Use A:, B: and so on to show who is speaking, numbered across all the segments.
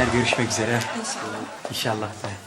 A: günler, görüşmek üzere.
B: İnşallah.
A: İnşallah.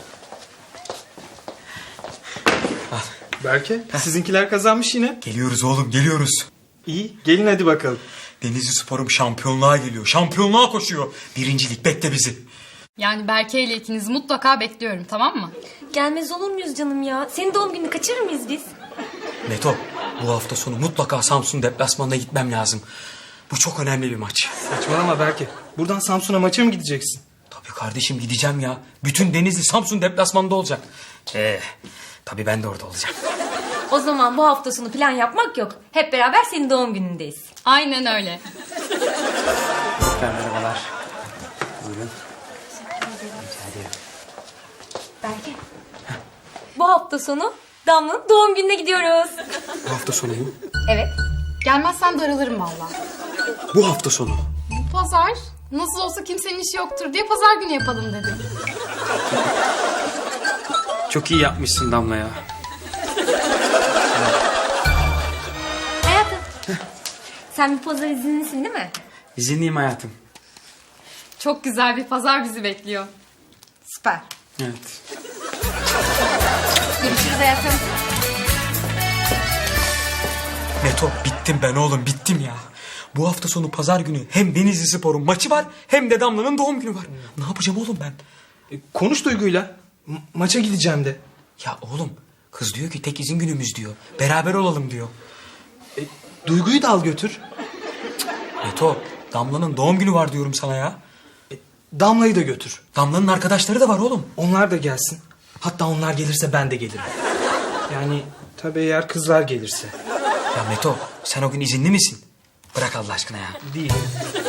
C: Berke, sizinkiler kazanmış yine.
D: Geliyoruz oğlum, geliyoruz.
C: İyi, gelin hadi bakalım.
D: Denizli Spor'um şampiyonluğa geliyor. Şampiyonluğa koşuyor. Birincilik bekle bizi.
E: Yani Berke ile ikinizi mutlaka bekliyorum, tamam mı?
B: Gelmez olur muyuz canım ya? Senin doğum gününü kaçırır mıyız biz?
D: Meto, bu hafta sonu mutlaka Samsun deplasmanına gitmem lazım. Bu çok önemli bir maç.
C: Saçmalama Berke. Buradan Samsun'a maça mı gideceksin?
D: Tabii kardeşim gideceğim ya. Bütün Denizli Samsun deplasmanında olacak. Tabii ben de orada olacağım.
B: O zaman bu hafta sonu plan yapmak yok. Hep beraber senin doğum günündeyiz.
E: Aynen öyle.
A: Merhabalar. Buyurun. Rica ederim.
B: Belki. Bu hafta sonu Damla'nın doğum gününe gidiyoruz.
D: Bu hafta sonu mu?
B: Evet.
E: Gelmezsen darılırım valla.
D: Bu hafta sonu.
E: Bu pazar nasıl olsa kimsenin işi yoktur diye pazar günü yapalım dedim.
A: Çok iyi yapmışsın Damla ya.
B: Hayatım. Sen bir pazar izinlisin değil mi?
A: İzinliyim hayatım.
E: Çok güzel bir pazar bizi bekliyor.
B: Süper.
A: Evet.
B: Görüşürüz hayatım.
D: Meto, bittim ben oğlum, bittim ya. Bu hafta sonu pazar günü hem Denizli Spor'un maçı var hem de Damla'nın doğum günü var. Ne yapacağım oğlum ben?
C: Konuş Duygu'yla. Maça gideceğim de.
D: Ya oğlum, kız diyor ki tek izin günümüz diyor. Beraber olalım diyor.
C: Duygu'yu da al götür.
D: Meto, Damla'nın doğum günü var diyorum sana ya.
C: Damla'yı da götür.
D: Damla'nın arkadaşları da var oğlum.
C: Onlar da gelsin. Hatta onlar gelirse ben de gelirim. Yani tabii eğer kızlar gelirse.
D: Ya Meto, sen o gün izinli misin? Bırak Allah aşkına ya.
C: Değil.